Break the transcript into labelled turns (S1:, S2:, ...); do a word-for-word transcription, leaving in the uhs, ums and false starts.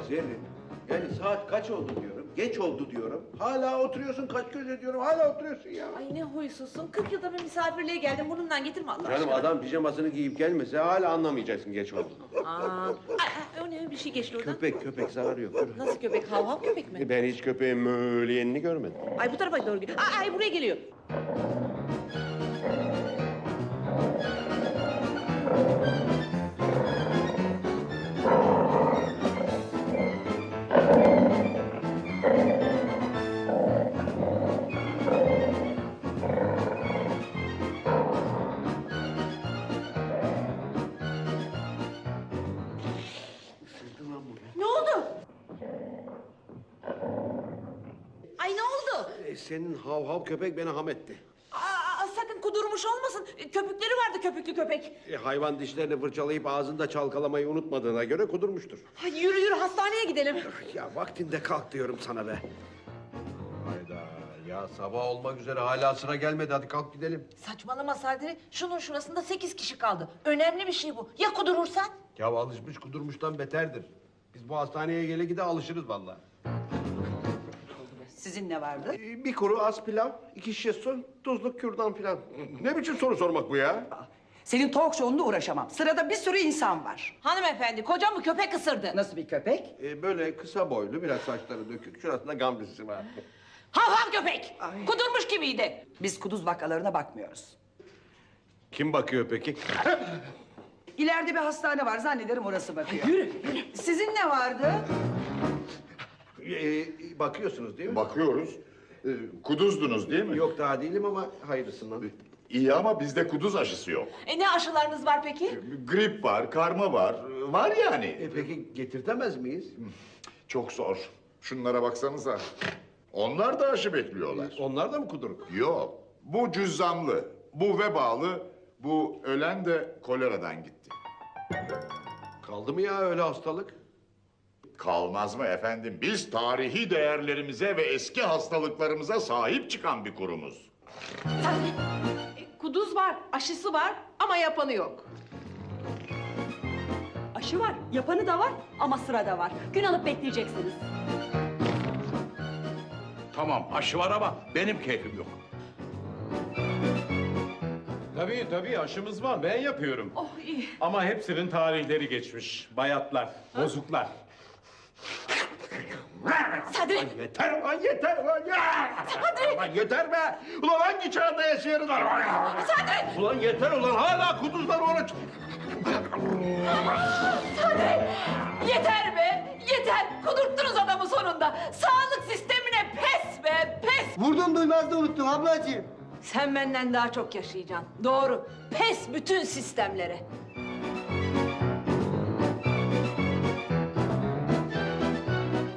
S1: Zerrin, yani saat kaç oldu diyorum, geç oldu diyorum. Hala oturuyorsun, kaç göz ediyorum, hala oturuyorsun ya.
S2: Ay ne huysuzsun. Kırk yılda bir misafirliğe geldim. Burnundan getirme Allah
S1: Canım
S2: aşkına.
S1: adam pijamasını giyip gelmese hala anlamayacaksın geç oldu.
S2: Aa, ay, ay, o ne bir şey geçti oradan.
S1: Köpek, köpek zararı yok. Dur.
S2: Nasıl köpek? Hav hav köpek mi?
S1: Ben hiç köpeğin möleyenini görmedim.
S2: Ay bu tarafa doğru gidiyor. Ay, ay buraya geliyor. Ne oldu? Ay ne oldu?
S1: E, senin hav hav köpek beni ham etti.
S2: Aa, sakın kudurmuş olmasın. Köpükleri vardı köpüklü köpek.
S1: E, hayvan dişlerini fırçalayıp ağzında çalkalamayı unutmadığına göre kudurmuştur.
S2: Ay, yürü yürü hastaneye gidelim.
S1: Ya vaktinde kalk diyorum sana be. Hayda ya sabah olmak üzere hala sıra gelmedi hadi kalk gidelim.
S2: Saçmalama Sadri. Şunun şurasında sekiz kişi kaldı. Önemli bir şey bu. Ya kudurursan?
S1: Ya alışmış kudurmuştan beterdir. Biz bu hastaneye gele gide alışırız vallahi.
S3: Sizin ne vardı?
S1: Ee, Bir kuru az pilav, iki şişe su, tuzluk kürdan filan. Ne biçim soru sormak bu ya?
S3: Senin talk show'unda uğraşamam. Sırada bir sürü insan var.
S2: Hanımefendi kocam bu köpek ısırdı.
S3: Nasıl bir köpek?
S1: Ee, böyle kısa boylu, biraz saçları dökük, şurasında gamzesi var.
S2: Hav hav köpek.
S3: Ay.
S2: Kudurmuş gibiydi.
S3: Biz kuduz vakalarına bakmıyoruz.
S1: Kim bakıyor peki?
S3: İleride bir hastane var, zannederim orası bakıyor. Yürü, yürü. Sizin ne vardı?
S1: Ee, bakıyorsunuz değil mi?
S4: Bakıyoruz. Ee, kuduzdunuz değil mi?
S1: Yok daha değilim ama hayırlısından.
S4: İyi ama bizde kuduz aşısı yok.
S2: E ne aşılarınız var peki?
S4: Grip var, karma var. Ee, Var yani.
S1: E, peki getirtemez miyiz?
S4: Çok zor. Şunlara baksanıza. Onlar da aşı bekliyorlar.
S1: Onlar da mı kuduruk?
S4: Yok. Bu cüzzamlı, bu vebalı, bu ölen de koleradan gitti.
S1: Kaldı mı ya öyle hastalık?
S4: Kalmaz mı efendim? Biz tarihi değerlerimize ve eski hastalıklarımıza sahip çıkan bir kurumuz.
S5: E, Kuduz var, aşısı var ama yapanı yok.
S6: Aşı var, yapanı da var ama sırada var. Gün alıp bekleyeceksiniz.
S7: Tamam aşı var ama benim keyfim yok.
S8: Tabii tabii aşımız var. Ben yapıyorum.
S2: Oh iyi.
S8: Ama hepsinin tarihleri geçmiş. Bayatlar, bozuklar.
S2: Sadri.
S1: Yeter ulan yeter ulan ya! Ulan yeter be! Ulan hangi çağda yaşıyoruz lan?
S2: Sadri.
S1: Ulan yeter ulan hala kuduzlar oruç.
S2: Sadri. Yeter be. Yeter. Kudurttunuz adamı sonunda. Sağlık sistemine pes be pes.
S9: Vurdum duymaz da unuttum ablacığım.
S2: Sen benden daha çok yaşayacaksın. Doğru. Pes bütün sistemlere.